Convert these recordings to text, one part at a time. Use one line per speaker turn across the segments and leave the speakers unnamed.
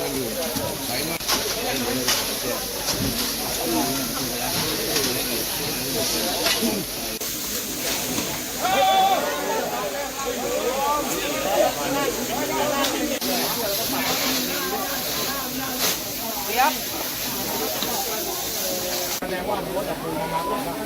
แสดงว่ารถดับเพลิงมา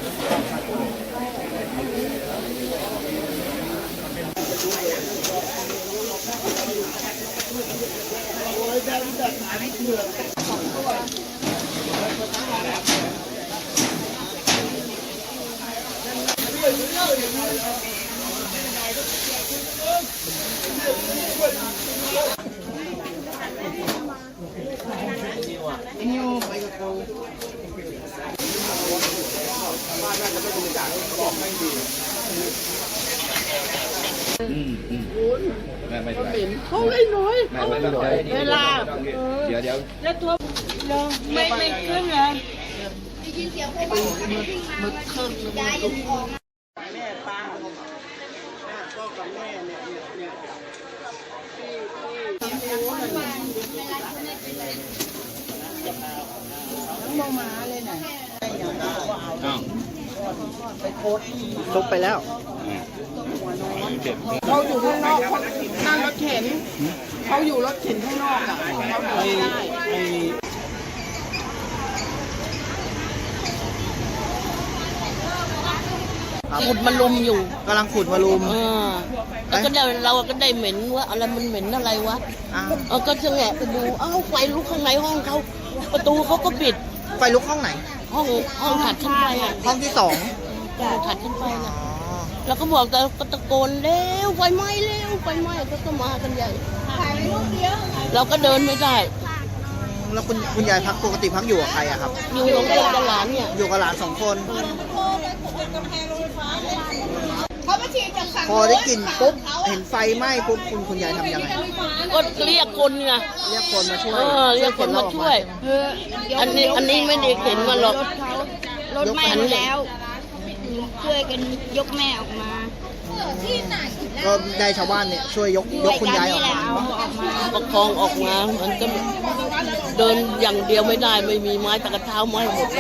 นิวไปกับกูบ้านน่าจะไม่บริจาคเขาบอกไม่ดีไม่เขาเล่นน้อยเวลาเดี๋ยวแล้วตัวไม่ขึ้นเลยได้ยินเสียงพวกมึกขึ้นยายยังออกแม่ป้าพ่อกับแม่เนี่ยมองมาเลยน่ะไปโพสซุกไปแล้วเขาอยู่ข้างนอกเขานั่งรถเข็นเขาอยู่รถเข็นข้างนอกอ่ะเขาไม่ได้
ขุดมาลุมอยู่
กำลังขุดมาลุม
แล้วก็เราก็ได้เหม็นว่าอะไรมันเหม็นอะไรวะก็จะแงะไปดูไฟลุกข้างในห้องเขาประตูเขาก็ปิด
ไฟลุกห้องไหน
ห้องถัดขึ้นไป
ห้องที่2
ถัดขึ้นไปนะแล้วก็บอกแต่ก็ตะโกนเร็วไฟไหม้เร็วไฟไหม้ก็มากันใหญ่ถ่ายไปรูปเดียวเราก็เดินไม่ได้
แล้วคุณยายพักปกติพักอยู่กับใครอะครับ
อยู่กับหลานเนี่ย
อยู่กับหลาน2 คนพอได้กลิ่นปุ๊บเห็นไฟไหม้ปุ๊บคุณยายทำยังไง
ก็เรียกคนไง
เรียกคนมาช่วย
เรียกคนมาช่วยอันนี้ไม่ได้เข็นมาหรอก
รถไหม้แล้วช่วยกันยกแม่ออกมา
ก็ได้ชาวบ้านเนี่ยช่วยยกคุณยายออกมา
ประคองออกมามันก็เดินอย่างเดียวไม่ได้ไม่มีไม้ตะกเท้าไม้หมด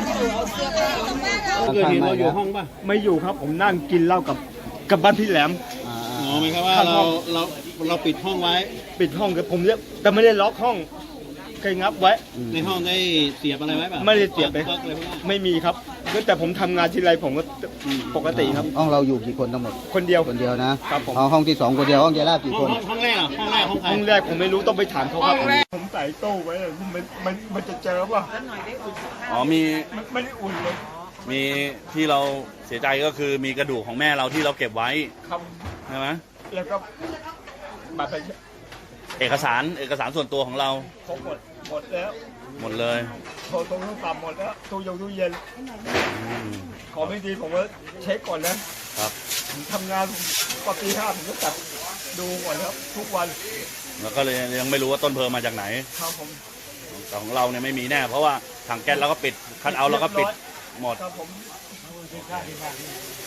เกิดเหตุเราอยู่ห้องป่ะ
ไม่อยู่ครับผมนั่งกินเหล้ากับบ้านพี่แหลม
อ๋อหมายความว่าเราปิดห้องไว้
ปิดห้องกับผมเนี่ยแต่ไม่ได้ล็อกห้องเคยงับไว้
ในห้องได้เสียบอะไรไว้ป่ะ
ไม่ได้เสียบไปไม่มีครับแต่ผมทำงานทีไรผมก็ปกติครับ
ห้องเราอยู่กี่คนทั้งหมด
คนเดียว
นะครับผมห้องที่2คนเดียวห้องยายลาบกี่คน
ห้องแรกห้องแรก
ห้องแรกผมไม่รู้ต้องไปถามเขาครับผมใส่ตู้ไว้มันจะเจอป่ะ
อ๋อมี
ไม่ได้อุ่นเลย
มีที่เราเสียใจก็คือมีกระดูกของแม่เราที่เราเก็บไว้
ครับ
ใช่ไหม
แล้วก็บัตร
เอกสารส่วนตัวของเรา
ครบหมดแล้ว
หมดเลย
โทรศัพท์หมดแล้วตู้เย็นขอไม่ดีผมว่าเช็คก่อนนะครับผมทำงานปกติ5ผมก็จัดดูก่อนครับทุกวัน
แล้วก็เลยยังไม่รู้ว่าต้นเพลิงมาจากไหน
ครับผม
แต่ของเราเนี่ยไม่มีแน่เพราะว่าถังแก๊สเราก็ปิดคัทเอาท์เราก็ปิดหมด
ครับผม